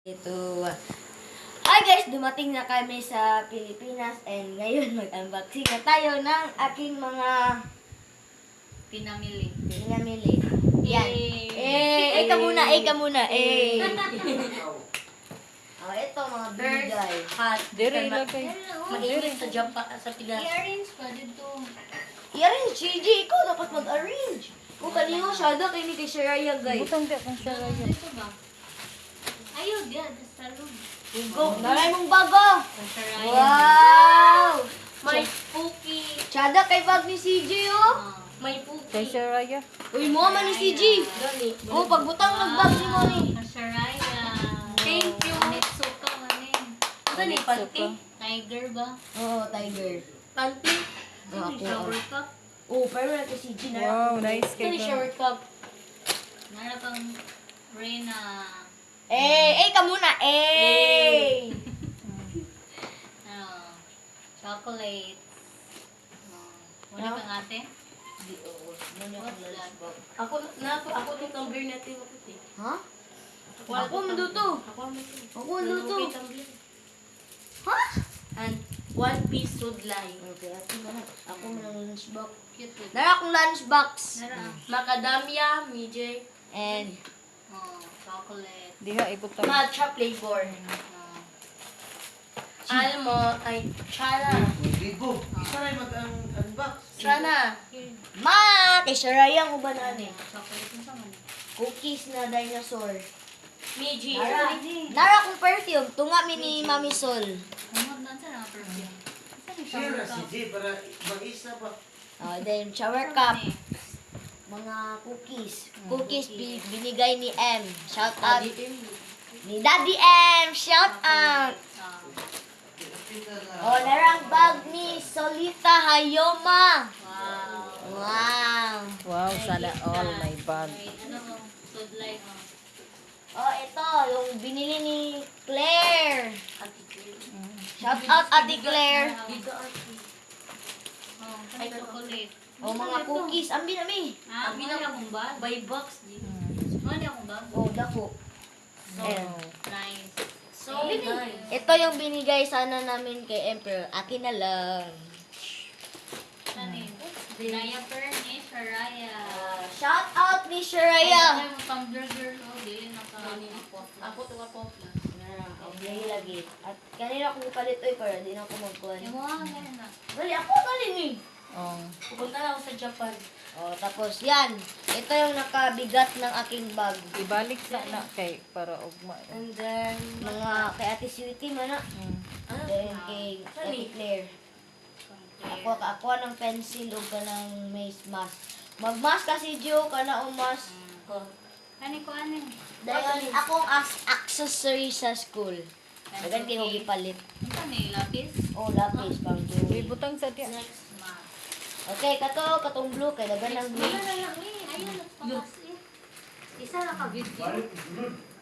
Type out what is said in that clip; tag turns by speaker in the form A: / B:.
A: Ito. Hi guys! Dumating na kami sa Pilipinas and ngayon mag-unboxing na tayo ng aking mga
B: Pinamili.
A: Yan.
B: Yay!
A: Ka muna. Oh, ito mga binigay.
B: Hot.
C: Dire ilagay.
B: Mainit sa Japan, sa Pinas.
C: I-arrange pa dito.
A: I-arrange, JJ. Ikaw dapat mag-arrange. Kung kanino siya, kay ni kay Shiraya guys.
C: Butang di akong siya rayo.
B: Dito ba? Ayun, diyan. Sa room.
A: Go. Naray mong bago.
B: Sa Ryan.
A: Wow!
B: May Pookie.
A: Tsada kay bag ni CJ oh.
B: May
C: Kay
B: Pookie.
C: siya raya.
A: Uy, mo man ni CJ. Oh, pagbutang nagbag si mo ni.
B: Kasaraya. Thank you. Nitsuka manin. Ano ni
C: Nitsuka.
B: panty? Tiger ba?
A: Oo, tiger.
B: Panty?
A: Oo,
B: Ano ni
A: ako.
B: shower cup?
A: Oh, pero na kay CJ na.
C: Wow, nice
B: Ano
C: kay
B: ni shower cup? Nara pang Reyna.
A: Ka muna.
B: Ano? Chocolate. Wala
A: No.
B: kang ate? What's that?
D: Ako yung tumbler natin yung puti.
A: Ha? Ako manduto. Ako manduto. Ha?
D: And one piece sudlay.
A: Okay, ate na. Ako man lunchbox.
B: Cute with
A: Nara akong lunchbox.
B: Nara.
D: Macadamia, Mijay,
A: And
B: Oh, chocolate.
C: Diha ibutang.
D: matcha flavor. Almo, ay, chana.
E: Bigo. Isa rin mag-unbox.
D: Chana.
A: ma, kay Shiraya mo ba nani?
B: Chocolate mo sa man.
A: Cookies na dinosaur.
D: Miji.
A: Nara akong perfume. Tunga mi ni Mami Sol.
B: Humod na sa mga perfume. Saan yung shower
E: Share si
B: cup?
E: J para mag-isa ba?
A: Then shower cup. Mga cookies. Cookies binigay ni M. Shout out. Ni Daddy M. Shout out. Oh, narang bag ni Solita Hayoma.
B: Wow.
A: Wow.
C: Wow, sana all my bag.
B: May ano mo? Sudlay mo.
A: Oh, ito, yung binili ni Claire. Shout out Ate Claire.
B: Oh, may chocolate.
A: Oh, mga cookies. Ambi na mi.
B: Ah, may akong bag.
D: By box. Di.
B: May akong bag.
A: Oh, dako.
C: Wow.
B: Nice.
D: So nice.
A: Ito yung binigay sana namin kay Emperor. Akin na lang.
B: Saan yun? Diaper ni Shiraya.
A: Shout out ni Shiraya.
B: Ay, mo tumbler girl. Oh, dili na ka.
D: Ako to ka popla.
A: Okay, lagi. At kanina ko palit oy para di na ako magkuhan.
B: Yung mga ganyan na.
A: Dali ako dali ni.
C: Oh.
D: Pupunta na ako sa Japan.
A: Oh, tapos yan. Ito yung nakabigat ng aking bag.
C: Ibalik sa na kay para ugma.
A: And then, mga kay Ate Sweetie man na. Then kay Ate Claire. Ako ng pencil o ka ng face mask. Mag-mask kasi Joe ka na umas.
B: Kani ko ano?
A: Dahil akong accessory sa school. Dagan kayo gipalit.
B: Ano ni lapis?
A: Oh, lapis pang Joey.
C: Ibutang sa diha.
B: Ma.
A: Okay, katong blue kay dagan ng blue.
B: Ayun, nagpapas eh. Isa na ka video.